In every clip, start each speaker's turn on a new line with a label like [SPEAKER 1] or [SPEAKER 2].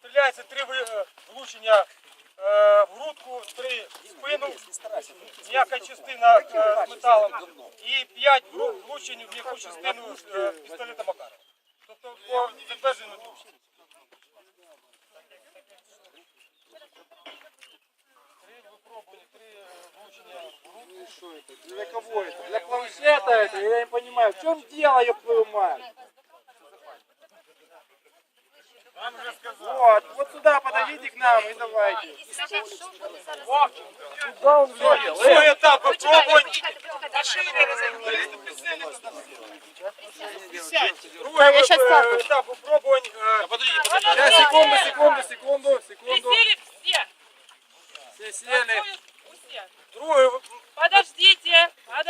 [SPEAKER 1] Стріляється 3 влучення в грудку, 3 в спину, м'яка частина з металом і 5 влучень в м'яку частину з пістолета Макарова. Тобто по підтвердженню влучень. 3 випробування, 3 влучення в грудку.
[SPEAKER 2] Что это? Для кого это? Для планшета это? Я не понимаю. В чем дело, ёб твою мать? Вот сюда подойдите к нам и давайте.
[SPEAKER 1] Другий етап випробувань. Другий етап випробувань.
[SPEAKER 2] Сейчас, секунду.
[SPEAKER 3] Присели все.
[SPEAKER 2] Все сели.
[SPEAKER 3] Все.
[SPEAKER 1] Другий
[SPEAKER 3] Подождите.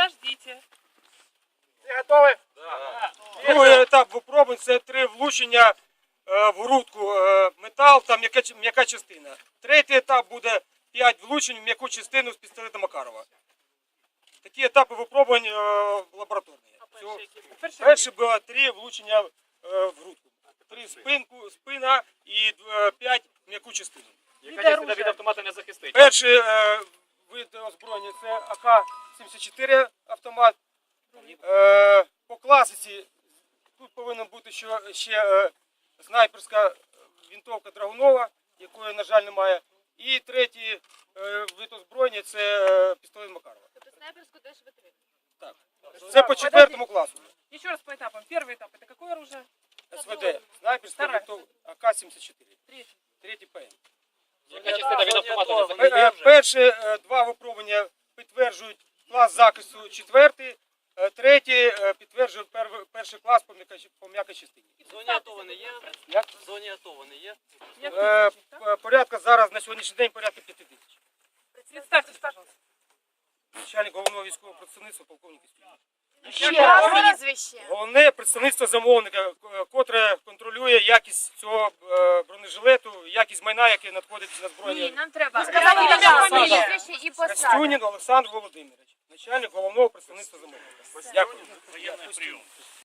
[SPEAKER 2] Все готовы?
[SPEAKER 1] Другий етап випробувань – це 3 влучення в грудку метал та м'яка частина. Третій етап буде 5 влучень в м'яку частину з пістолета Макарова. Такі етапи випробувань лабораторні. Перше було 3 влучення в грудку. 3 спина і 5 м'яку частину.
[SPEAKER 4] Яка частина від автомата не захистить?
[SPEAKER 1] Перший вид озброєння – це АК-74 автомат. По класиці тут повинна бути ще снайперська винтовка Драгунова, якої, на жаль, немає. І третій вид озброєння – це пістолет Макарова.
[SPEAKER 5] Тобто снайперську теж витримує?
[SPEAKER 1] Так. Це по 4 класу.
[SPEAKER 3] Еще раз по этапам. Первый этап это какое оружие?
[SPEAKER 1] СВД. Снайперська винтовка АК-74. Третій ПМ.
[SPEAKER 4] Яка частина від автомата не захистить?
[SPEAKER 1] Перші 2 випробування підтверджують клас захисту 4, третій підтверджує перший клас по м'якій частині.
[SPEAKER 6] В зоні АТО вони є?
[SPEAKER 1] Як?
[SPEAKER 6] В зоні АТО вони є?
[SPEAKER 1] Порядка зараз на сьогоднішній день порядка 5 тисяч.
[SPEAKER 3] Представьтесь, пожалуйста.
[SPEAKER 1] Начальник головного військового представництва полковник Істюк.
[SPEAKER 5] Ще раз прізвище.
[SPEAKER 1] Головне представництво замовника, котре контролює якість цього бронежилету, якість майна, яке надходить на
[SPEAKER 5] Ні,
[SPEAKER 1] збройні.
[SPEAKER 5] нам треба
[SPEAKER 3] сказали
[SPEAKER 5] сказати
[SPEAKER 3] фамілію.
[SPEAKER 5] прізвище і посаду.
[SPEAKER 1] Костюнін Олександр Володимирович, начальник головного представництва замовника. Дякую.